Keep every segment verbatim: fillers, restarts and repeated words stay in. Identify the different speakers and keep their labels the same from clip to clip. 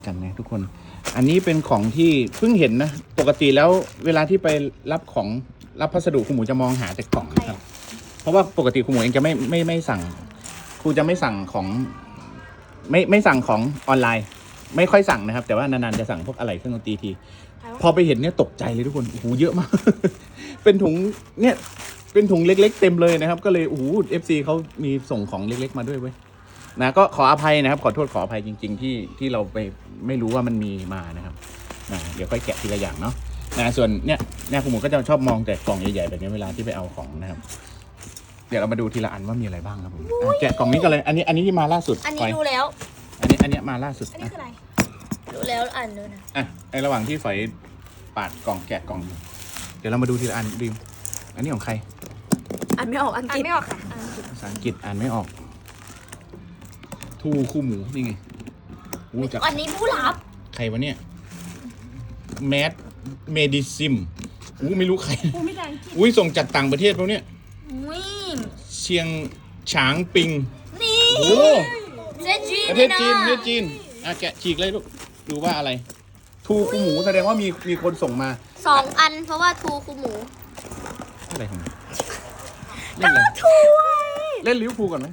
Speaker 1: กันนะทุกคนอันนี้เป็นของที่เพิ่งเห็นนะปกติแล้วเวลาที่ไปรับของรับพัสดุคุณหมูจะมองหาแต่กล่องนะครับเพราะว่าปกติคุณหมูเองจะไม่ไม่ไม่สั่งครูจะไม่สั่งของไม่ไม่สั่งของออนไลน์ ไม่ค่อยสั่งนะครับแต่ว่านานๆจะสั่งพวกอะไรเครื่องดนตรีทีพอไปเห็นเนี่ยตกใจเลยทุกคนโอ้โหเยอะมาก เป็นถุงเนี่ยเป็นถุงเล็กๆเต็มเลยนะครับก็เลยโอ้โหเอฟซีเขามีส่งของเล็กๆมาด้วยเว้ยนะก็ขออภัยนะครับขอโทษขออภัยจริงๆที่ที่เราไปไม่รู้ว่ามันมีมานะครับนะเดี๋ยวค่อยแกะทีละอย่างเนาะนะส่วนเนี่ยเนี่ยคุณหมูก็จะชอบมองแต่กล่องใหญ่ๆแบบนี้เวลาที่ไปเอาของนะครับเดี๋ยวเรามาดูทีละอันว่ามีอะไรบ้างครับผมแกะกล่องนี้กันเลยอันนี้อันนี้ที่มาล่าสุด
Speaker 2: อันนี้ดูแล้ว
Speaker 1: อันนี้อันนี้มาล่าสุด
Speaker 2: อันนี้คืออะไรดูแล้วอ่านดูนะ
Speaker 1: อ่ะในระหว่างที่ฝอยปาดกล่องแกะกล่องเดี๋ยวเรามาดูทีละอันดิมอันนี้ของใคร
Speaker 2: อ่านไม่ออกอังกฤษไม่ออกค่ะ
Speaker 1: ภาษาอังกฤษอ่านไม่ออกทูคู่หมูนี่ไงอู้จัก
Speaker 2: อันนี้ผู้รับ
Speaker 1: ใครวะเนี่ยแมดเมดิซิมอู้ไม่รู้ใครอุ้ยส่งจากต่างประเทศพวกเนี้ยเชียงฉางปิง
Speaker 2: นี่
Speaker 1: โอ้
Speaker 2: ประเทศจีน
Speaker 1: ประเทศจีนประเทศจีนอ่ะแกะฉีกเลยลูกดูว่าอะไรทูคู่หมูแสดงว่ามีมีคนส่งมา
Speaker 2: สองอันเพราะว่าทูคู่หมู
Speaker 1: อะไรของมัน
Speaker 2: เล่นอะไรทู
Speaker 1: เล่นลิเวอร์พูลก่อนไหม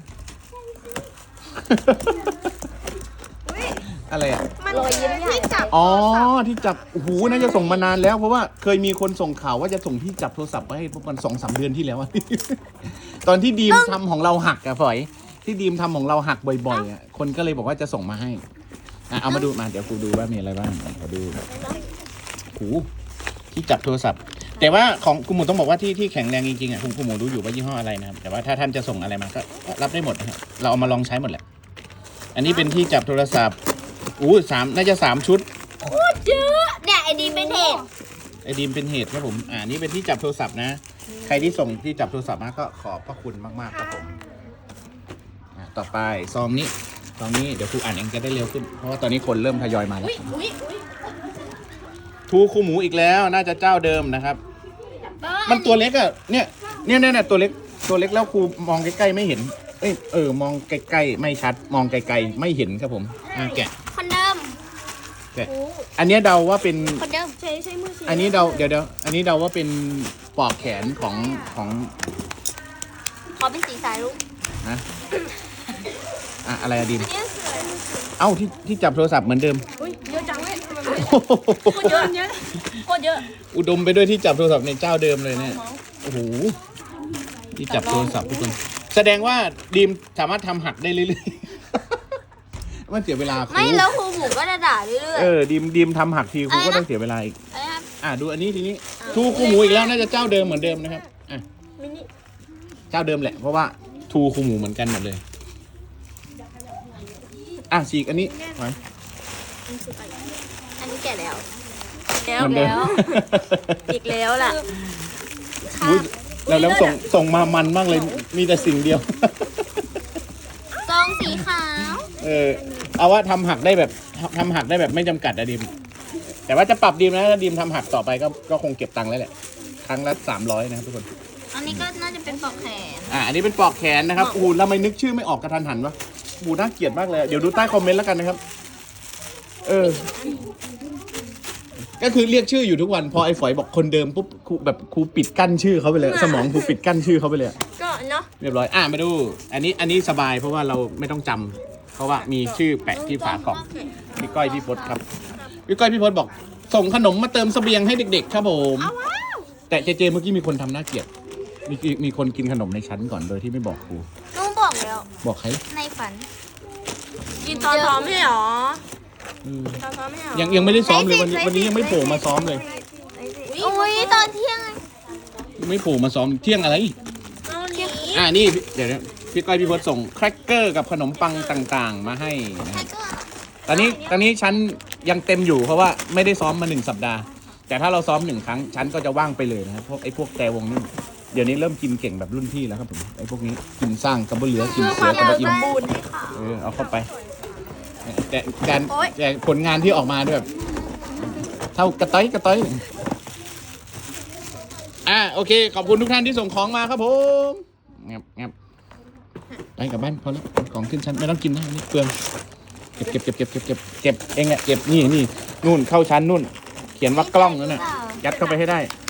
Speaker 1: อะไรอ่ะ
Speaker 2: มันรอยยิ้มที่จับ
Speaker 1: อ๋อที่จับโอ้โหน่าจะส่งมานานแล้วเพราะว่าเคยมีคนส่งข่าวว่าจะส่งที่จับโทรศัพท์มาให้ประมาณสองสามเดือนที่แล้วตอนที่ดีมทำของเราหักอะฝอยที่ดีมทำของเราหักบ่อยๆอะคนก็เลยบอกว่าจะส่งมาให้อ่ะเอามาดูมาเดี๋ยวกูดูว่ามีอะไรบ้างขอดูโอ้โหที่จับโทรศัพท์แต่ว่าของคุณหมูต้องบอกว่าที่ที่แข็งแรงจริงๆอ่ะคุณคุณหมูรู้อยู่ว่ายี่ห้ออะไรนะครับแต่ว่าถ้าท่านจะส่งอะไรมาก็รับได้หมดนะครับเราเอามาลองใช้หมดแหละอันนี้เป็นที่จับโทรศัพท์อู้สามน่าจะสามชุด
Speaker 2: โคตรเยอะเนี่ยไอดีมเป็นเหตุ
Speaker 1: ไอดีมเป็นเหตุครับผมอ่านี่เป็นที่จับโทรศัพท์นะใครที่ส่งที่จับโทรศัพท์มาก็ขอบพระคุณมากๆครับผมอ่าต่อไปซองนี้ซองนี้เดี๋ยวครูอ่านเองจะได้เร็วขึ้นเพราะว่าตอนนี้คนเริ่มทยอยมาแล้วทูคู่หมูอีกแล้วน่าจะเจ้าเดิมนะครับมันตัวเล็กอะเนี่ยเนี่ยเนี่ยตัวเล็กตัวเล็กแล้วครูมองใกล้ๆไม่เห็นเอ้ยเออมองใกล้ๆไม่ชัดมองไกลๆไม่เห็นครับผมอ่ะแกะ
Speaker 2: คนเดิม
Speaker 1: แกะอันนี้เดาว่าเป็น
Speaker 2: คนเดิมใช้ใช้มือ
Speaker 1: อันนี้เดาเดี๋ยวเดี๋ยวอันนี้เดาว่าเป็นปลอกแขนของของ
Speaker 2: ขอเป็นสีสายลูก
Speaker 1: นะอ่ะอะไรอะดิมเอ้าที่ที่จับโทรศัพท์เหมือนเดิม
Speaker 2: อุ้ยเยอะจังเลยโคตรเยอะเยอะโคตรเยอะ
Speaker 1: อุดมไปด้วยที่จับโทรศัพท์ในเจ้าเดิมเลยเนี่ยโอ้โหที่จับโทรศัพท์ทุกคนแสดงว่าดีมสามารถทำหักได้เรื่อยๆมันเสียเวลา
Speaker 2: ไม่แล้วครูหมูก็จะด่าเรื่อยๆ
Speaker 1: เออดีมดีมทำหักทีครูก็ต้องเสียเวลาอีกอ่ะดูอันนี้ทีนี้ทูครูหมูอีกแล้วน่าจะเจ้าเดิมเหมือนเดิมนะครับอ่ะเจ้าเดิมแหละเพราะว่าทูครูหมูเหมือนกันหมดเลยอ่ะฉีกอันนี้ไว้
Speaker 2: อันนี้แก่แล้วแล้วแล้วอีกแล้วล่ะ
Speaker 1: แล้วแล้วส่งส่งมามันมากเลยมีแต่สิ่งเดียว
Speaker 2: ซองสีขาว
Speaker 1: เออเอาว่าทำหักได้แบบทำหักได้แบบไม่จำกัดอะดิมแต่ว่าจะปรับดิมนะถ้าดิมทำหักต่อไปก็ก็คงเก็บตังค์แล้วแหละครั้งละสามร้อยนะครับทุกคน
Speaker 2: อันนี้ก็น่าจะเป็นปลอกแขน
Speaker 1: อ่าอันนี้เป็นปลอกแขนนะครับอูเราไม่นึกชื่อไม่ออกกระทันหันวะบูน่าเกลียดมากเลยเดี๋ยวดูใต้คอมเมนต์แล้วกันนะครับเออก็คือเรียกชื่ออยู่ทุกวันพอไอ้ฝอยบอกคนเดิมปุ๊บครูแบบครูปิดกั้นชื่อเขาไปเลยสมองครูปิดกั้นชื่อเขาไปเลย
Speaker 2: ก็เนาะ
Speaker 1: เรียบร้อยอ่ะมาดูอันนี้อันนี้สบายเพราะว่าเราไม่ต้องจำเพราะว่ามีชื่อแปะที่ฝากล่องพี่ก้อยพี่พศครับพี่ก้อยพี่พศบอกส่งขนมมาเติมเสบียงให้เด็กๆครับผมแต่เจเจเมื่อกี้มีคนทำหน้าเกลียดมีมีคนกินขนมในชั้นก่อนโดยที่ไม่บอกครู
Speaker 2: น้องบอกแล้ว
Speaker 1: บอกใคร
Speaker 2: ในฝันกินตอนซ้อมไม่หรอ
Speaker 1: ยังยังไม่ได้ซ้อมเลยวันนี้วันนี้ยังไม่โผล่มาซ้อมเลย
Speaker 2: โอ้ยตอนเที่ยง
Speaker 1: ไม่โผล่มาซ้อมเที่ยงอะไรอ่านี่เดี๋ยวพี่ก้อยพี่พศส่งแครกเกอร์กับขนมปังต่างๆมาให้นะครับตอนนี้ตอนนี้ชั้นยังเต็มอยู่เพราะว่าไม่ได้ซ้อมมาหนึ่งสัปดาห์แต่ถ้าเราซ้อมหนึ่งครั้งชั้นก็จะว่างไปเลยนะครับพวกไอ้พวกแต่วงนี่เดี๋ยวนี้เริ่มกินเก่งแบบรุ่นพี่แล้วครับผมไอ้พวกนี้กินสร้างกระเบื้องเหลือกินเสือกระเบื้องอิ่มเออเอาเข้าไปแต่การแต่ผลงานที่ออกมาด้วยแบบเท่ากระต้อยกระต้อยอ่ะโอเคขอบคุณทุกท่านที่ส่งของมาครับผมงับงับไปกลับบ้านพอแล้วของขึ้นชั้นไม่ต้องกินนะนี่เปลืองเก็บเก็บเก็บเก็บเก็บเก็บเก็บเองอะเก็บนี่นี่นู่นเข้าชั้นนู่น เขียนว่ากล้องนั่นน่ะยัดเข้าไปให้ได้
Speaker 2: เ